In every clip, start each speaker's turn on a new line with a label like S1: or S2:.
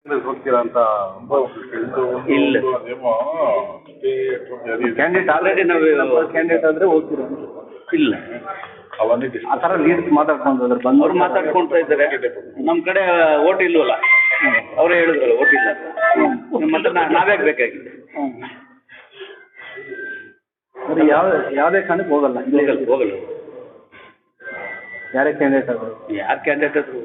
S1: ಹೋಗ್ತೀರಾ ಅಂತ
S2: ಇಲ್ಲ
S1: ಕ್ಯಾಂಡಿಡೇಟ್ ಆಲ್ರೆಡಿ ನಾವು ಕ್ಯಾಂಡಿಡೇಟ್ ಆದರೆ ಹೋಗ್ತೀರಾ
S2: ಇಲ್ಲ
S1: ಆ ಥರ ಲೀಡ್ಸ್ ಮಾತಾಡ್ಕೊಂಡು ಅದ್ರ ಬಂದು
S2: ಅವ್ರು ಮಾತಾಡ್ಕೊಳ್ತಾ ಇದ್ದಾರೆ. ನಮ್ಮ ಕಡೆ ಓಟ್ ಇಲ್ವಲ್ಲ, ಅವರೇ ಹೇಳಿದ್ರಲ್ಲ ಓಟ್ ಇಲ್ಲ ಮತ್ತೆ ನಾವೇ ಬೇಕಾಗಿದೆ.
S1: ಬರೀ ಯಾವುದೇ ಕಾರಣಕ್ಕೆ ಹೋಗಲ್ಲ
S2: ಹೋಗಲ್ಲ
S1: ಯಾರೇ ಕ್ಯಾಂಡಿಡೇಟ್ ಅವರು
S2: ಯಾರು ಕ್ಯಾಂಡಿಡೇಟ್ ಆದ್ರು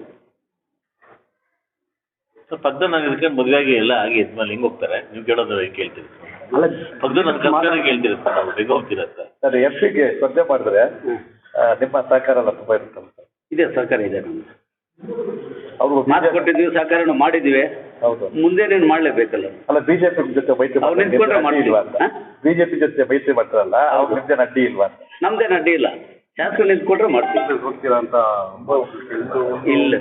S3: ಪಕ್ಕದ ನಗರಕ್ಕೆ ಮದುವೆಗೆ ಎಲ್ಲ ಆಗಿ ಇದ್ಮೇಲೆ ಹಿಂಗೆ ಹೋಗ್ತಾರೆ. ನೀವು ಕೇಳೋದು ಕೇಳ್ತೀರಿ
S1: ಅಲ್ಲ
S3: ಪಕ್ಕದ ನನ್ನ ಕೇಳ್ತೀರಿ ಸರ್, ನಾವು ಬೇಗ ಹೋಗ್ತೀರ ಸರ್.
S1: ಎಫ್ಗೆ ಸ್ಪರ್ಧೆ ಮಾಡಿದ್ರೆ ನಿಮ್ಮ ಸಹಕಾರ ಎಲ್ಲ ತುಂಬ ಇರುತ್ತೆ
S2: ಇದೆ, ಸಹಕಾರ ಇದೆ ನಮ್ದು.
S1: ಅವರು
S2: ಮಾತು ಕೊಟ್ಟಿದ್ದೀವಿ, ಸಹಕಾರನೂ ಮಾಡಿದ್ದೀವಿ,
S1: ಹೌದು.
S2: ಮುಂದೆ ನೀನು ಮಾಡಲೇಬೇಕಲ್ಲ.
S1: ಅಲ್ಲ ಬಿಜೆಪಿ ಜೊತೆ ಮೈತ್ರಿ
S2: ಅವ್ರು ನಿಂತ್ಕೊಂಡ್ರೆ ಮಾಡ್ತೀವಿ ಅಂತ.
S1: ಬಿಜೆಪಿ ಜೊತೆ ಮೈತ್ರಿ ಮಾಡ್ತಾರಲ್ಲ ಅವ್ರು ನಿಮ್ದೇನು ಅಡ್ಡಿ ಇಲ್ವಾ ಅಂತ.
S2: ನಮ್ದೇನು ಅಡ್ಡಿ ಇಲ್ಲ, ಶಾಸಕ ನಿಂತ್ಕೊಂಡ್ರೆ ಮಾಡ್ತೀವಿ.
S1: ಹೋಗ್ತೀರಾ ಅಂತ
S2: ಇಲ್ಲ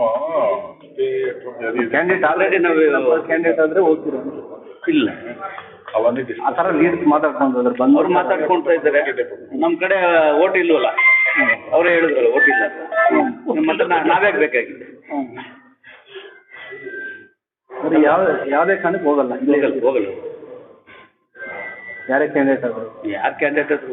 S1: ಕ್ಯಾಂಡಿಡೇಟ್ ಆಲ್ರೆಡಿ ನಾವು ಕ್ಯಾಂಡಿಡೇಟ್ ಆದರೆ ಹೋಗ್ತೀರಾ
S2: ಇಲ್ಲ
S1: ಆ ಥರ ಲೀಡ್ಸ್ ಮಾತಾಡ್ಕೊಂಡು ಅದ್ರ ಬಂದು
S2: ಅವ್ರು ಮಾತಾಡ್ಕೊಳ್ತಾ ಇದ್ದಾರೆ. ನಮ್ಮ ಕಡೆ ಓಟ್ ಇಲ್ವಲ್ಲ, ಅವರೇ ಹೇಳಿದ್ರಲ್ಲ ಓಟ್ ಇಲ್ಲ ಮತ್ತೆ ನಾವೇ ಬೇಕಾಗಿದೆ.
S1: ಬರೀ ಯಾವುದೇ ಕಾರಣಕ್ಕೆ ಹೋಗಲ್ಲ
S2: ಹೋಗಲ್ಲ
S1: ಯಾರೇ ಕ್ಯಾಂಡಿಡೇಟ್ ಅವರು
S2: ಯಾರು ಕ್ಯಾಂಡಿಡೇಟ್ ಆದ್ರು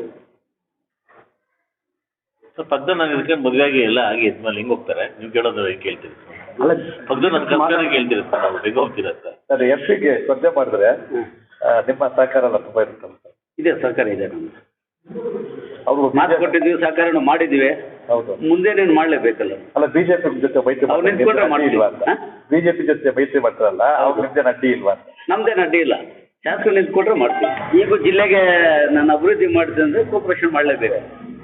S3: ಸರ್ ಪಕ್ಕದ ನಗರಕ್ಕೆ ಮದುವೆಗೆ ಎಲ್ಲ ಆಗಿ ಇದ್ಮೇಲೆ ಹಿಂಗೆ ಹೋಗ್ತಾರೆ. ನೀವು ಕೇಳೋದು ಕೇಳ್ತೀರಿ
S1: ಅಲ್ಲ
S3: ಪಕ್ಕದ ನನ್ನ ಕೇಳ್ತೀರಿ ಸರ್, ನಾವು ಬೇಗ ಹೋಗ್ತೀರ ಸರ್.
S1: ಎಫ್ಗೆ ಸ್ಪರ್ಧೆ ಮಾಡಿದ್ರೆ ನಿಮ್ಮ ಸಹಕಾರ ಎಲ್ಲ ತುಂಬ ಇರುತ್ತೆ
S2: ಇದೆ, ಸಹಕಾರ ಇದೆ ನಮ್ದು.
S1: ಅವರು
S2: ಮಾತು ಕೊಟ್ಟಿದ್ದೀವಿ, ಸಹಕಾರನೂ ಮಾಡಿದ್ದೀವಿ,
S1: ಹೌದು.
S2: ಮುಂದೆ ನೀನು ಮಾಡಲೇಬೇಕಲ್ಲ.
S1: ಅಲ್ಲ ಬಿಜೆಪಿ ಜೊತೆ ಮೈತ್ರಿ
S2: ಅವ್ರು ನಿಂತ್ಕೊಂಡ್ರೆ ಮಾಡ್ತೀವಿ
S1: ಅಂತ. ಬಿಜೆಪಿ ಜೊತೆ ಮೈತ್ರಿ ಮಾಡ್ತಾರಲ್ಲ ಅವ್ರು ನಿಮ್ದೇನು ಅಡ್ಡಿ ಇಲ್ವಾ ಅಂತ.
S2: ನಮ್ದೇನು ಅಡ್ಡಿ ಇಲ್ಲ, ಶಾಸಕ ನಿಂತ್ಕೊಂಡ್ರೆ ಮಾಡ್ತೀವಿ. ಈಗ ಜಿಲ್ಲೆಗೆ ನಾನು ಅಭಿವೃದ್ಧಿ ಮಾಡಿದೆ ಅಂದರೆ ಕೋಪರೇಷನ್ ಮಾಡಲೇಬೇಕು.